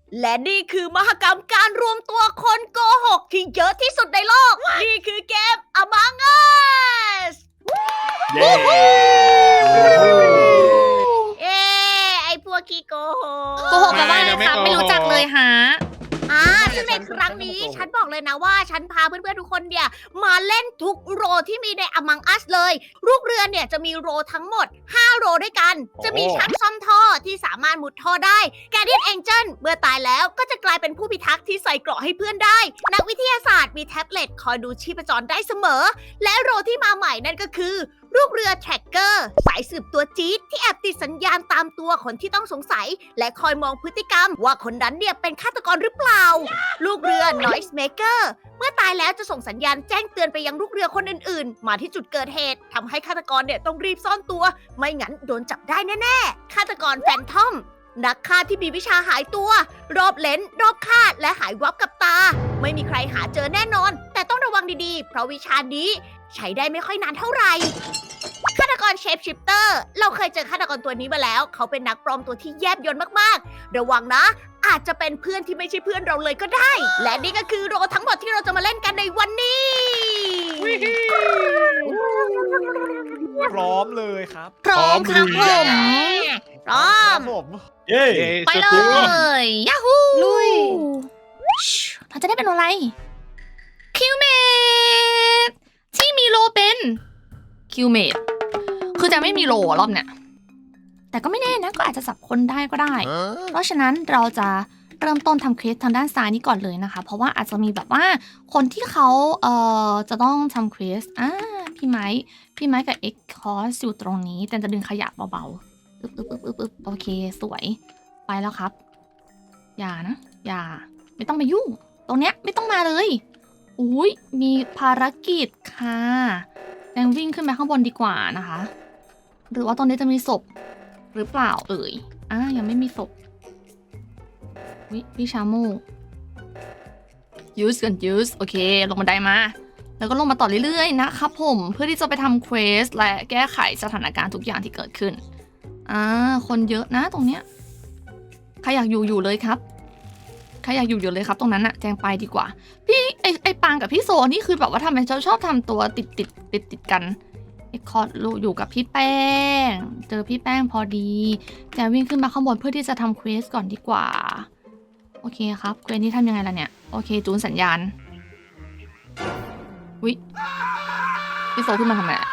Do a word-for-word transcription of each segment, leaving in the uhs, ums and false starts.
และนี่คือมหกรรมการรวมตัวคนโกหกที่เยอะที่สุดในโลก นี่คือเกม Among Us เย้เอ้ไอพวกขี้โกหกโกหกกันว่าอะไรครับไม่รู้จักเลยฮะอ่าซึ่งในครั้งนี้ฉันบอกเลยนะว่าฉันพาเพื่อนๆทุกคนเนี่ยมาเล่นทุกโรที่มีใน Among Us เลยลูกเรือเนี่ยจะมีโรทั้งหมดห้าโรด้วยกัน จะมีช่างซ่อมท่อที่สามารถมุดท่อได้ Guardian Angel เมื่อตายแล้วก็จะกลายเป็นผู้พิทักษ์ที่ใส่เกราะให้เพื่อนได้ นักวิทยาศาสตร์มีแท็บเล็ตคอยดูชีพจรได้เสมอ และโรที่มาใหม่นั่นก็คือลูกเรือแทร็กเกอร์สายสืบตัวจี๊ดที่แอบติดสัญญาณตามตัวคนที่ต้องสงสัย และคอยมองพฤติกรรม ว่าคนนั้นเนี่ยเป็นฆาตกรหรือเปล่า ลูกเรือ Noise Maker เมื่อตายแล้วจะส่งสัญญาณแจ้งเตือนไปยังลูกเรือคนอื่นๆ มาที่จุดเกิดเหตุทำให้ฆาตกรเนี่ยต้องรีบซ่อนตัว ไม่งั้นโดนจับได้แน่ๆฆาตกรแฟนทอมนักฆ่าที่มีวิชาหายตัว รอบเลนรอบคาดและหายวับกับตา ไม่มีใครหาเจอแน่นอน แต่ต้องระวังดีๆ เพราะวิชานี้ใช้ได้ไม่ค่อยนานเท่าไหร่ฆาตกรเชฟชิปเตอร์เราเคยเจอฆาตกรตัวนี้มาแล้ว เขาเป็นนักปลอมตัวที่แยบยลมากๆระวังนะ อาจจะเป็นเพื่อนที่ไม่ใช่เพื่อนเราเลยก็ได้ และนี่ก็คือโรทั้งหมดที่เราจะมาเล่นกันในวันนี้พร้อมเลยครับพร้อมครับผมพร้อมผมเย้ไปเลยยาฮูลุยเราจะได้เป็นอะไรคิวเมดที่มีโลเป็นคิวเมดคือจะไม่มีโลรอบเนี้ยแต่ก็ไม่แน่นะก็อาจจะสับคนได้ก็ได้ เพราะฉะนั้นเราจะเริ่มต้นทำเควสทางด้านซ้ายนี้ก่อนเลยนะคะเพราะว่าอาจจะมีแบบว่าคนที่เขาเอ่อจะต้องทำเควสอ่าพี่ไม้พี่ไม้กับเอ็กคอสอยู่ตรงนี้แต่จะดึงขยะเบาๆอึ๊บอึ๊บอึ๊บอึ๊บอึ๊บโอเคสวยไปแล้วครับอย่านะอย่าไม่ต้องไปยุ่งตรงเนี้ยไม่ต้องมาเลยอุ้ยมีภารกิจค่ะแดงวิ่งขึ้นไปข้างบนดีกว่านะคะหรือว่าตรงนี้จะมีศพหรือเปล่าเอ่ยอ่ายังไม่มีศพวิวิชาโมยูสกันยูสโอเคลงบันไดมาแล้วก็ลงมาต่อเรื่อยๆนะครับผมเพื่อที่จะไปทำเควสและแก้ไขสถานการณ์ทุกอย่างที่เกิดขึ้นอ่าคนเยอะนะตรงเนี้ยใครอยากอยู่อยู่เลยครับใครอยากอยู่อยู่เลยครับตรงนั้นอะแจงไปดีกว่าพี่ไอไอปางกับพี่โซนี่คือแบบว่าทำไมเขาชอบทำตัวติดติดติดติดกันไอคอร์ดอยู่กับพี่แป้งเจอพี่แป้งพอดีแจงวิ่งขึ้นมาข้างบนเพื่อที่จะทำเควสก่อนดีกว่าโอเคครับเควสนี้ทำยังไงล่ะเนี่ยโอเคจูนสัญญาณวิพี่โซขึ้นมาทำไมอะ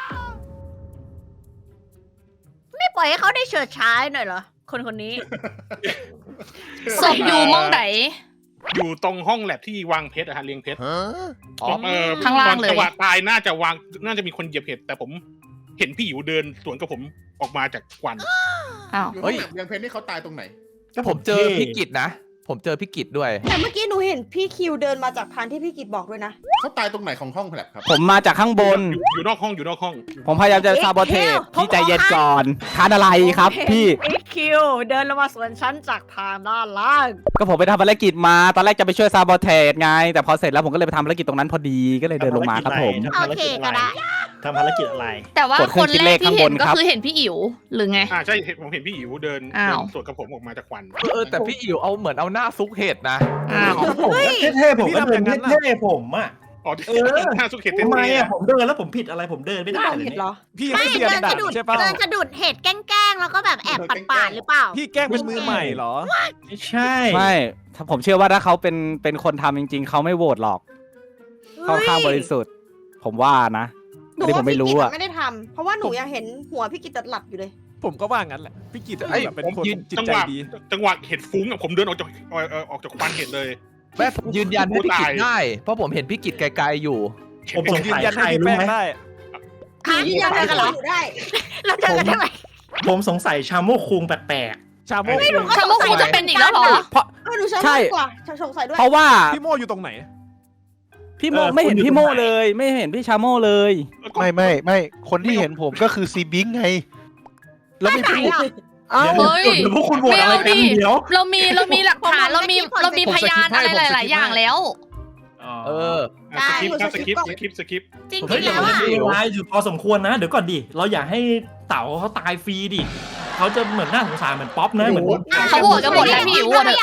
ไม่ปล่อยให้เขาได้เฉิดฉายหน่อยเหรอคนคนนี้ศพอยู่มองไหนอยู่ตรงห้องแลบที่วางเพชรอะฮะเรียงเพชรอ๋อเออข้างล่างเลยตอนจังหวะตายน่าจะวางน่าจะมีคนเหยียบเห็ดแต่ผมเห็นพี่อิ๋วเดินสวนกับผมออกมาจากควันอ้าวเฮ้ยยังเพนนี่เขาตายตรงไหนก็ผมเจอพี่กิตนะ ผมเจอพี่กิตด้วยแต่เมื่อกี้หนูเห็นพี่คิวเดินมาจากทางที่พี่กิตบอกด้วยนะเขาตายตรงไหนของห้องแลบครับผมมาจากข้างบนอยู่อยู่นอกห้องอยู่นอกห้องผมพยายามจะซาบอเทสพี่ใจเย็นก่อนทานอะไรครับพี่อีคิวเดินลงมาสวนฉันจากทางด้านล่างก็ผมไปทำภารกิจมา ตอนแรกจะไปช่วยซาบอเทสไง แต่พอเสร็จแล้วผมก็เลยไปทำภารกิจตรงนั้นพอดี ก็เลยเดินลงมาครับผมโอเคก็ได้ทำภารกิจอะไรแต่ว่ากดเครื่คอน งคิดแรเลกขที่ข้างบเห็นนก็ครับคือเห็นพี่อิ๋วหรือไงอ่าใช่เห็นผมเห็นพี่อิ๋วเดินอ้าวเดินสวนกับผมออกมาจากควันเออแต่พี่อิ๋วเอาเหมือนเอาหน้าซุกเห็ดนะอ้าวผมก็เท่ๆผมก็เดินเท่ๆผมอ่ะอ๋อเออหน้าสุกเห็ดทำไมเท่ๆอ่ะอะผมเดินแล้วผมผิดอะไรผมเดินไม่ได้เราเลยเห็นเนี่ยเหรอพี่ไม่ไม่เซียนเดินดัสะกดุดใช่ป่ะเดินสะดุดเห็ดแกล้งๆแล้วก็แบบแอบปาดๆหรือเปล่าพี่แกล้งเป็นมือใหม่เหรอไม่ใช่ไม่ถ้าผมเชื่อว่าถ้าเขาเป็นเป็นคนทำจริง ๆ เขาไม่โหวตหรอกเขาข้างบริสุทธิ์ ผมว่านะหนูอันนี้ผว่ามไม่พี่รู้กิตอะไม่ได้ทำเพราะว่าหนูยังเห็นหัวพี่กิตหลับอยู่เลยผมก็ว่างั้นแหละ พี่กิตไอ้แบบเป็นผมคนยืนจิตจังใจหวะดีจังหวะเห็ดฟุ้งอะผมเดินออกจากเอ่อเอ่อออกจากควันเห็ดเลยแม่ผมยืนยันให้พี่กิตตายได้ เพราะผมเห็นพี่กิตไกลๆอยู่ผมผสมงยืนสัยยันใครให้พี่รู้แป้งไหมได้หาที่ยังเจอกันเหรออยู่ได้เราเจอกันได้ไหมผมสงสัยชาโมกคุงแปลกชาโมไม่รู้ชาโมกคงจะเป็นอีกแล้วเหรอเออหนูชอบใช่มากกว่าสงสัยด้วยเพราะว่าพี่โมอยู่ตรงไหนพี่โมไม่เห็นพี่โมเลย ไม่เห็นพี่ชาโมเลยไม่ไม่ไม่คนที่เห็นผมก็คือซีบิงไง แล้วไม่พูดๆเดี๋ยวเฮ้ยเดี๋ยวพวกคุณโหวตไม่อะไรเอากัดินเดี๋ยวเรามีเรามีหลักฐานเรามีเรามีพยานอะไรหลาย ๆ อย่างแล้วเอออ่ะสกิปครับสกิปสกิปสกิปจริงเฮ้ยๆเดี๋ยวแล้วมันอะจะมีเวลาอยู่พอสมควรนะ เดี๋ยวก่อนดิ เราอย่าให้เต๋าเขาตายฟรีดิเขาจะเหมือนน่าสงสารเหมือนป๊อปนะเหมือนเขาโหวตกันหมดแล้วพี่อิ๋วโหวตไม่อยากให้เต่า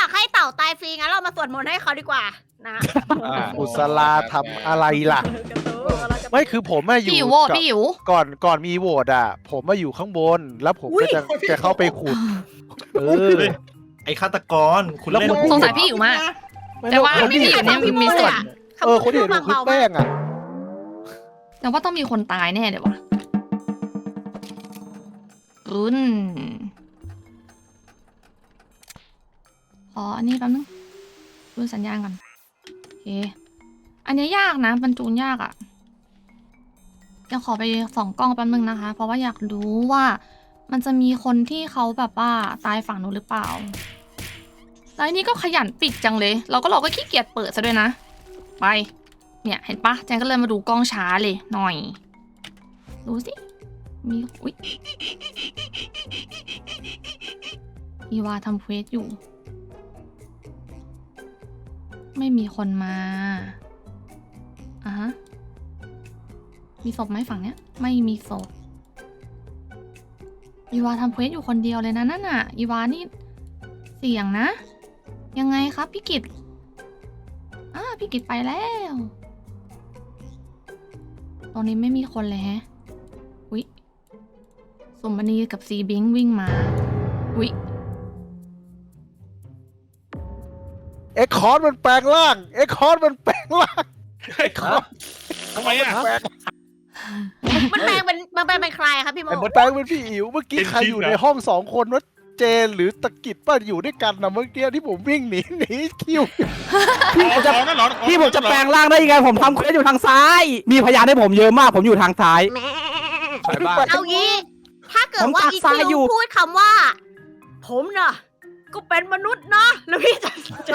าตายฟรีงั้นเรามาสวดมนต์ให้เขาดีกว่านะอ่าอุสลาทำอะไรล่ะ ไม่คือผมอะอยู่พี่อิ๋วโหวตกับพี่อิ๋วก่อนก่อนมีโหวตอ่ะ ผมมาอยู่ข้างบน แล้วผมก็จะจะเข้าไปขุด เออไอ้ฆาตกรคุณแล้วเล่นคุณสงสัยพี่อิ๋วมาก แต่ว่าคนพี่ที่อิ๋วเนี่ยมีมีส่วนเออคนที่เห็นผมคือแป้งอ่ะแต่ว่าต้องมีคนตายแน่เดี๋ยววะรุนขออันนี้แป๊บนึงดูสัญญาณก่อนโอเคอันนี้ยากนะบรรจูนยากอะ่ะจะขอไปส่องกล้องแป๊บนึงนะคะ เพราะว่าอยากรู้ว่ามันจะมีคนที่เขาแบบว่าตายฝั่งนู้นหรือเปล่าแล้วอันนี้ก็ขยันปิดจังเลย เราก็เราก็ขี้เกียจเปิดซะด้วยนะไปเนี่ยเห็นปะแจงก็เลยมาดูกล้องช้าเลยหน่อยดูสิมีอุ๊ยอีวาทำเควสอยู่ ไม่มีคนมาอ่ะฮะมีศพไหมฝั่งเนี้ยไม่มีศพอีวาทำเควสอยู่คนเดียวเลยนะนั่นน่ะอีวานี่เสี่ยงนะยังไงครับพี่กิตอ่าพี่กิตไปแล้วตรงนี้ไม่มีคนเลยแฮะอุ๊ยสมบันีกับซีบิงวิ่งมาอุ๊ยเอ็กคอร์ดมันแปลงร่าง เอ็กคอร์ดมันแปลงร่างเฮ้ยทำไมอ่ะแปลงมันแปลงเป็นมันแปลงเป็นใครอะครับพี่โมมันแปลงเป็นพี่อิ๋ว เมื่อกี้เป็นใครอยู่จริงเหรอในห้องสองคนว่าเจนหรือตะกิดป้าอยู่ด้วยกันนะเมื่อกี้ที่ผมวิ่งหนีหนีคิวพี่ผมจะอ๋อนั่นเหรอพี่ผมจะแปลงร่างได้ยังไงผมทำเควสอยู่ทางซ้าย มีพยานให้ผมเยอะมากผมอยู่ทางซ้ายใช่บ้างเอางี้ ถ้าเกิดว่าผมตักอีทรายคิวอยู่พูดคำว่า ผมน่ะ ก็เป็นมนุษย์นะแล้วพี่จะจะ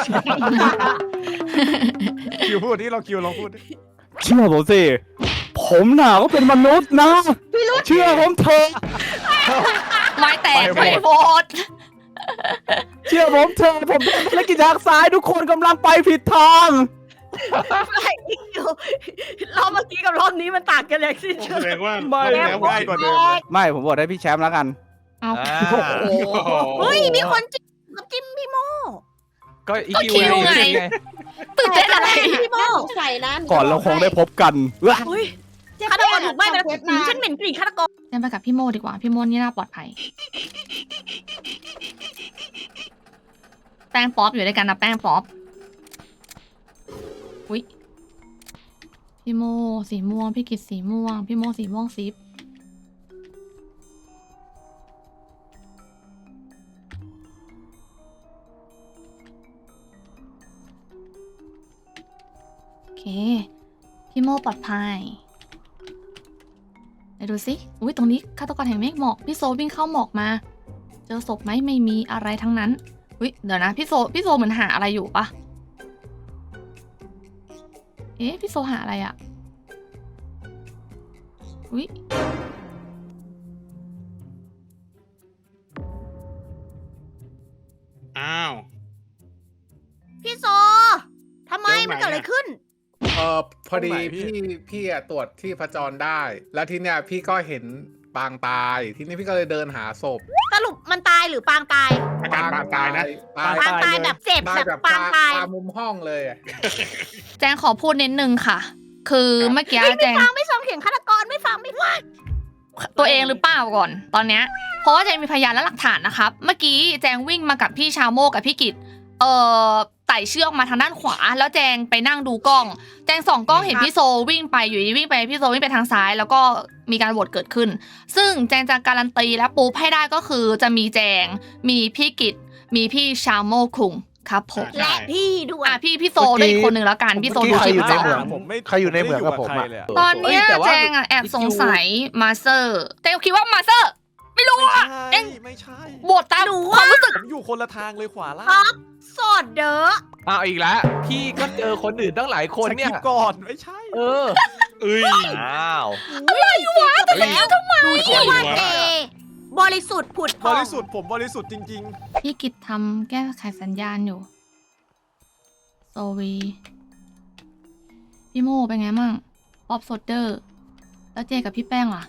คิวพูดที่เราคิวลองพูดดิเชื่อผมสิ ผมน่ะก็เป็นมนุษย์นะ เชื่อผมเถอะไม้แตกไปโหวตเชื่อผมเถอะผมเป็นธุรกิจทางซ้ายทุกคนกำลังไปผิดทางไม่อีคิวรอบเมื่อกี้กับรอบนี้มันต่างกันเลยสิ้นเชิแสงดงว่าไม่แสดงว่าง่ายกว่าเดิมเลยไม่ผมบอกให้พี่แชมป์แล้วกันเอาอ่าโอ้โหเฮ้ยมีคนจิ้มกับจิ้มพี่โมก็อีก็คิวคิวไงไงตื่นเต้นอะไรพี่โมน่าสงสัยนะก่อนเราคงได้พบกันเว้ยเฮ้ยฆาตกรถูกไหม้ไปแล้วอืมฉันเหม็นกลิ่นฆาตกรเดินไปกับพี่โมดีกว่า พี่โมนี่น่าปลอดภัย แป้งป๊อปอยู่ด้วยกันนะแป้งป๊อปอุ้ยพี่โมสีม่วง พี่กิตสีม่วง พี่โมสีม่วงซิปโอเค พี่โมปลอดภัยไหนดูสิอุ้ยตรงนี้ฆาตกรแห่งเมฆหมอก พี่โซวิ่งเข้าหมอกมา เจอศพไหมไม่มีอะไรทั้งนั้นอุ้ยเดี๋ยวนะพี่โซพี่โซเหมือนหาอะไรอยู่ปะเอ๊ะพี่โซหาอะไรอะอุ้ยอ้าวพี่โซทำไมมันเกิดอะไรขึ้นเออพอดีตรงไหนพี่พี่พี่อะตรวจที่พจรได้ แล้วทีเนี้ยพี่ก็เห็นปางตาย ทีนี้พี่ก็เลยเดินหาศพสรุปมันตายหรือปางตายอาการปางตายนะตายปางตายแบบเจ็บตายแบบแบบปางตายตามุมห้องเลยอะแจงขอพูดนิดนึงค่ะ คือเมื่อกี้เฮ้ยแจไม่งฟังไม่ฟังเสียงฆาตกรไม่ฟังไม่ฟังตัวเองหรือเปล่าก่อนตอนเนี้ยเพราะว่าแจงมีพยานและหลักฐานนะครับ เมื่อกี้แจงวิ่งมากับพี่ชาโมกับพี่กิตเอ่อไต่เชือกมาทางด้านขวา แล้วแจงไปนั่งดูกล้อง แจงส่องกล้องเห็นพี่โซวิ่งไปอยู่ดีวิ่งไปพี่โซวิ่งไปทางซ้าย แล้วก็มีการโหวตเกิดขึ้น ซึ่งแจงจะการันตีและปูให้ได้ก็คือจะมีแจงมีพี่กิตมีพี่ชาโมคุงครับผมใช่และพี่ด้วยอ่ะพี่พี่โซด้วยอีกคนหนึ่งแล้วกันพี่โซดูใครคลิอยู่ปในสองเหมืองผมไม่ใครอยู่ในเหมืองกับผมอะไเลยตอนเนี้ยเฮ้ยแต่ว่าแจงอะแอบสงสัยมาสเตอร์แต่คิดว่ามาสเตอร์ไม่รู้ไม่อะใช่เอ็งไม่ใช่โหวตตามหนูความว่ารู้สึกผมอยู่คนละทางเลยขวาล่างท็อปสดเด้ออ้าวอีกแล้ว พี่ก็เจอคนอื่นตั้งหลายคนเนี่ยสกิปก่อนไม่ใช่เออเอ้ยอ้าวอะไรวะแต่แล้วทำไมดูเชื่อว่าหัวเอบริสุทธิ์ผุดพบองริสุทธิ์ผมบริสุทธิ์จริงพี่กิจทำแก้ไขสัญญาณอยู่โซวีพี่โมเป็นไงมั่งป๊อปโซเดอร์แล้วเจกับพี่แป้งล่ะ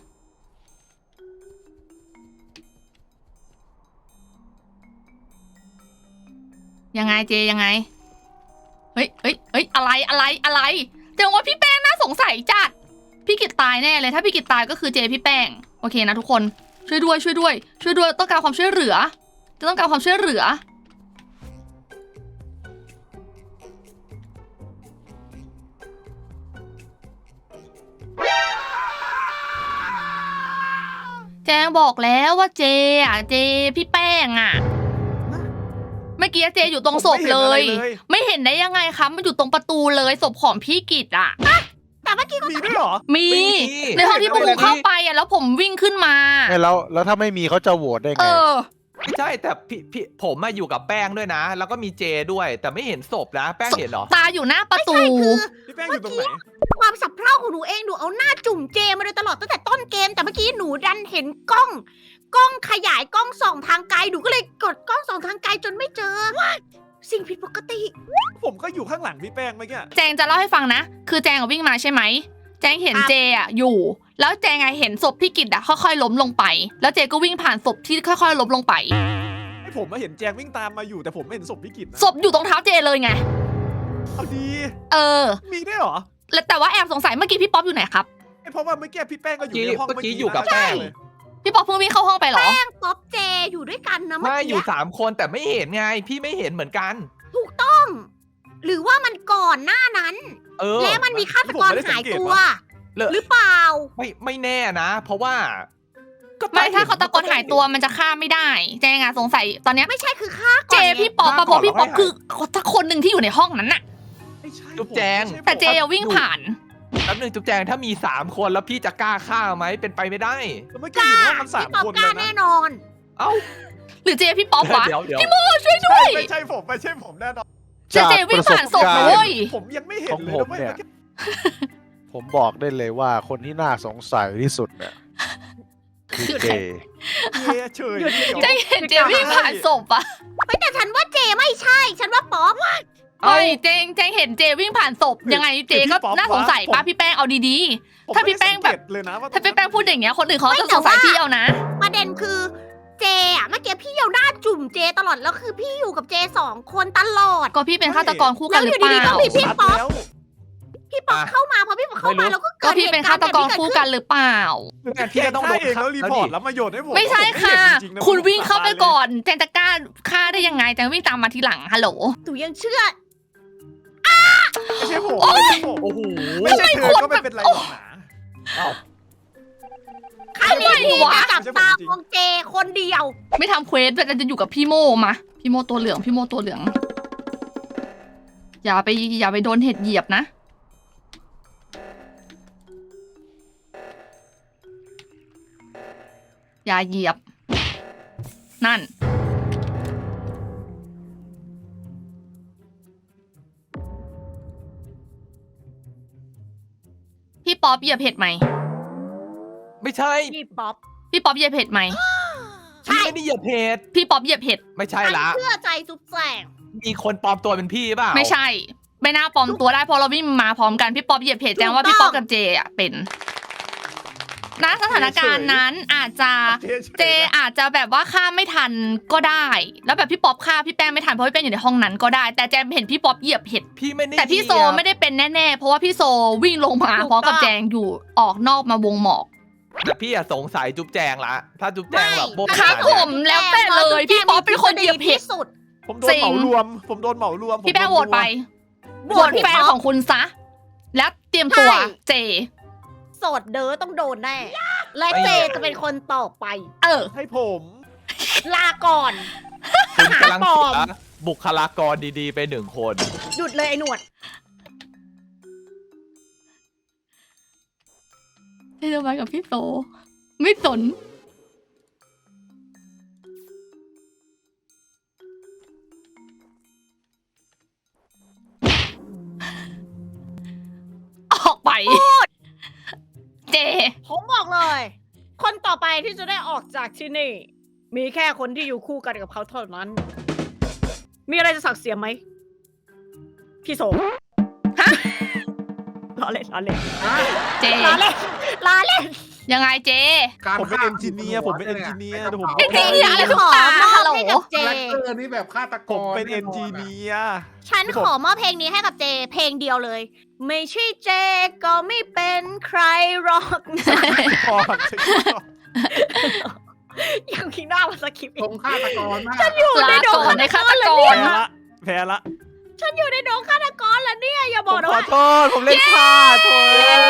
ยังไงเจยังไงเฮ้ยเฮ้ยเฮ้ยอะไรอะไรอะไรเจอว่าพี่แป้งน่าสงสัยจัดพี่กิตตายแน่เลยถ้าพี่กิตตายก็คือเจพี่แป้งโอเคนะทุกคนช่วยด้วยช่วยด้วยช่วยด้วยต้องการความช่วยเหลือจะต้องการความช่วยเหลือแจงบอกแล้วว่าเจอ่ะเจพี่แป้งอ่ะเมื่อกี้เจอยู่ตรงศพเลย ไม่เห็นได้ยังไงคะมันอยู่ตรงประตูเลยศพของพี่กิตอ่ะแต่เมื่อกี้ก็มีด้วยเหรอมีในห้องที่พวกกูเข้าไปอ่ะแล้วผมวิ่งขึ้นมาเอ้ยแล้วแล้วถ้าไม่มีเขาจะโหวตได้เอไงอไม่ใช่แต่พี่พี่ผมมาอยู่กับแป้งด้วยนะ แล้วก็มีเจด้วย แต่ไม่เห็นศพนะ แป้งเห็นเหรอตาอยู่หน้าประตูพี่แป้งอยู่ตรงไหนความสับเพร่าของหนูเองหนูเอาหน้าจุ่มเจมาโดยตลอดตั้งแต่ต้นเกมแต่เมื่อกี้หนูดันเห็นกล้อง กล้องขยายกล้องส่องทางไกลหนูก็เลยกดกล้องส่องทางไกลจนไม่เจอสิ่งผิดปกติผมก็อยู่ข้างหลังพี่แป้งเมื่อกี้แจงจะเล่าให้ฟังนะ คือแจงอะวิ่งมาใช่ไหม แจงเห็นครับเจอ่ะอยู่ แล้วแจงอะเห็นศพพี่กิตอ่ะค่อยๆล้มลงไป แล้วเจก็วิ่งผ่านศพที่ค่อยๆล้มลงไปให้ผมมาเห็นแจงวิ่งตามมาอยู่แต่ผมไม่เห็นศพพี่กิตนะศพอยู่ตรงเท้าเจเลยไงเอาดีเออมีด้วยเหรอแล้วแต่ว่าแอบสงสัยเมื่อกี้พี่ป๊อปอยู่ไหนครับไอ้เพราะว่าเมื่อกี้พี่แป้งก็อยู่ในห้องเมื่อกี้นะอยู่กับแป้งเลยพี่ป๊อปเพิ่งวิ่งเข้าห้องไปเหรอแป้งป๊อปเจอยู่ด้วยกันนะเมื่อไม่อกี้ยู่สามคนแต่ไม่เห็นไง พี่ไม่เห็นเหมือนกันถูกต้อง หรือว่ามันก่อนหน้านั้นเออและมันมีฆาตกรหายตัวเลอะหรือเปล่าไม่ไม่แน่นะ เพราะว่าก็ไม่ถ้าเขาตะโกนหายตัวมันจะฆ่าไม่ได้ แจงอะสงสัยตอนเนี้ยไม่ใช่คือฆ่าก่เจอนไงพี่ป๊อปปะเพราะพี่ป๊อปคือสักคนหนึ่งที่อยู่ในห้องนั้นน่ะไม่ใช่จุ๊บแจงผมไม่ใช่ผมแต่เจอะวิ่งผ่านแป๊บนึงจุ๊บแจงถ้ามีสามคนแล้วพี่จะกล้าฆ่าไหมเป็นไปไม่ได้แต่เมื่อกี้อยู่ในห้องกันสามพี่ป๊อปคนกเลล้าย แน่นะนอนเอ้าหรือเจพี่ป๊อปวะเดี๋ยวเดี๋ยวพี่โมช่วยด้วยไม่ใช่ผมไม่ใช่ผมแน่นอนเจเจวิ่งผ่านศพนะเว้ยผมยังไม่เห็นของเลยผมนะเว้ยเนี่ย ผมบอกได้เลยว่าคนที่น่าสงสัยที่สุดเนี่ยคือเจเย้เฉยแจงเห็นเจวิ่งผ่านศพอะไม่แต่ฉันว่าเจไม่ใช่ ฉันว่าป๊อปเอ้ยเจงเจงเห็นเจวิ่งผ่านศพยังไงเจก็น่าสงสัยป้าพี่แป้งเอาดีๆ ถ้าพี่แป้งแบบเลยนะว่าถ้าพี่แป้งพูดอย่างเงี้ยคนอื่นเขาจะสงสัยพี่เอานะประเด็นคือเจอะเมื่อกี้พี่เอาหน้าจุ่มเจตลอดแล้วคือพี่อยู่กับเจสองคนตลอดก็พี่เป็นฆาตกรคู่กันหรือเปแล้วอยู่ดีๆก็ล่ามีพี่ชัดป๊อปแล้วพี่ป๊อปอ่ะเข้ามาพอพี่ป๊อปเข้ามาไม่รู้แล้วก็ก็เกิดพี่เป็นฆาตกรคู่กันหรือเปล่างั้นพี่ก็ต้องโดนเองแล้วรีพอร์ตแล้วมาโยนให้ผมไม่ใช่ค่ะผมไม่เห็นจริงๆนะคุณผมวิ่งเข้าไปตยลยก่อนแจงจะกล้าฆ่าได้ยังไงแจงวิ่งตามมาทีหลังฮัลโหลหนูยังเชื่อไม่ใช่ผมไม่ใช่ผมโอ้โหไม่ใช่เธอก็ไม่เป็นไรหรอกนะครั้งนี้พี่จะจับตามองเจคนเดียวไม่ทำเควสแต่จะอยู่กับพี่โมมาพี่โมตัวเหลืองพี่โมตัวเหลือง อย่าไปอย่าไปโดนเห็ดเหยียบนะ อย่าเหยียบ นั่น พี่ป๊อปเหยียบเห็ดไหมไม่ใช่พี่ป๊อปพี่ป๊อปเหยียบเห็ดไหมพี่ไม่ได้เหยียบเพจพี่ป๊อปเหยียบเห็ดไม่ใช่ฉันละเชื่อใจซุปแสงมีคนปลอมตัวเป็นพี่เปล่าไม่ใช่ ไม่น่าปลอมตัวได้เพราะเราวิ่งมาพร้อมกันพี่ป๊อปเหยียบเห็ดแจ้งว่าพี่ป๊อปกับเจอ่ะเป็นณสถานการณ์นั้นอาจจะเจอาจจะแบบว่าฆ่าไม่ทันก็ได้ แล้วแบบพี่ป๊อปฆ่าพี่แป้งไม่ทันเพราะพี่แป้งอยู่ในห้องนั้นก็ได้ แต่แจมเห็นพี่ป๊อปเหยียบเห็ดพี่ไม่ได้แต่พี่โซเหยียบไม่ได้เป็นแน่ๆเพราะว่าพี่โซวิ่งลงมาพร้อมกับแจงอยู่ออกนอกมาวงหมอกแต่พี่อะสงสัยจุ๊บแจงละ ถ้าจุ๊บแจงแบบโบ๊ะครับขนาดผเนี้ยมแล้วแต่เลยพี่ป๊อปเป็นคนเหยียบเห็ดที่สุดผมโดนเหมารวม ผมโดนเหมารวมผมพี่แป้งโหวตไปโหโหววตตพี่แฟนป๊อปของคุณซะ แล้วเตรียมตัวใช่เจโสดเด้อต้องโดนแน่ และเจจะเป็นคนต่อไปเออให้ผมลาก่อนคุณกำลังหาปลอเสีมยบุคลากรดีๆไปหนึ่งคนหยุดเลยไอ้หนวดให้เรามากับพี่โซไม่สน ออกไป เจผมบอกเลย คนต่อไปที่จะได้ออกจากที่นี่ มีแค่คนที่อยู่คู่กันกับเขาเท่านั้น มีอะไรจะสักเสียไหม พี่โสฮะล้อเล่นล้อเล่นเจล้อเล่นล้อเล่นยังไงเจการผมเป็นฆ่าเอนจิเนียร์ผมเป็นเอนจิเนียร์เดี๋ยวผมเอนจิเนียร์อะไรของขอตามอบฮัลโหลให้กับเจแรคเตอร์นี่แบบฆาตกรผมเป็นเอนจิเนียร์ฉันขอมอบเพลงนี้ให้กับเจ เพลงเดียวเลย ไม่ใช่เจก็ไม่เป็นใครหรอกนะพอยังคิดหน้ามาสคริปต์ตรงฆาตกรมากลาก่อนในฆาตกแพ้รละแพ้ละฉันอยู่ในดงฆาตกรแล้วเนี่ย อย่าบผอกมนะขอว่าโทษ ผมเล่นพลาดโทษ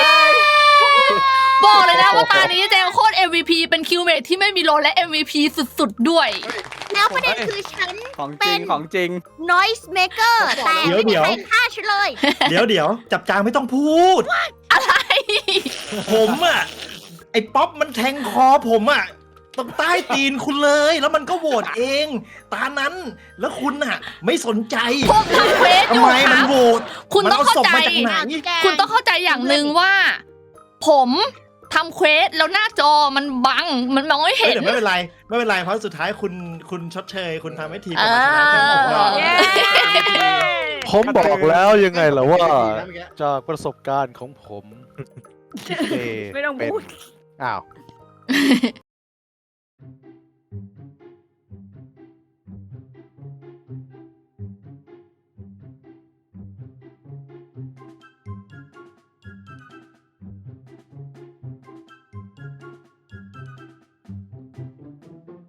บอกเลยนะว่าตานี้เจโคตร เอ็ม วี พี เป็นคิวเมทที่ไม่มีโลและ เอ็ม วี พี สุดๆด้วยแล้วประเด็นคือฉันของจเป็ริงนของจริง noise maker แต่ไม่มีใครฆ่าฉันเลยเดี๋ยวเดี๋ยวจับจางไม่ต้องพูดอะไรผมอ่ะ ไอ้ป๊อปมันแทงคอผมอ่ะตรงใต้ตีนคุณเลย แล้วมันก็โหวตเอง ตานั้น แล้วคุณอ่ะ ไม่สนใจผมทำเควสอยู่ทำไมคมันรับโหวตคุณต้องเข้าใจมันอศพมาจากไหนคุณต้องเข้าใจอย่างหนึ่งว่า ผมทำเควสแล้วหน้าจอมันบัง มันมองไม่เฮ้ยเห็นเดี๋ยวไม่เป็นไร ไม่เป็นไร เพราะสุดท้ายคุณคุณชดเชย คุณทำให้ทีมเอผมชนะอผมว่าเย้ผมบอกแล้วยังไงล่ะว่าดีนะเมื่อกี้จากประสบการณ์ของผมที่เจไม่ต้องเป็นพูดอ้าว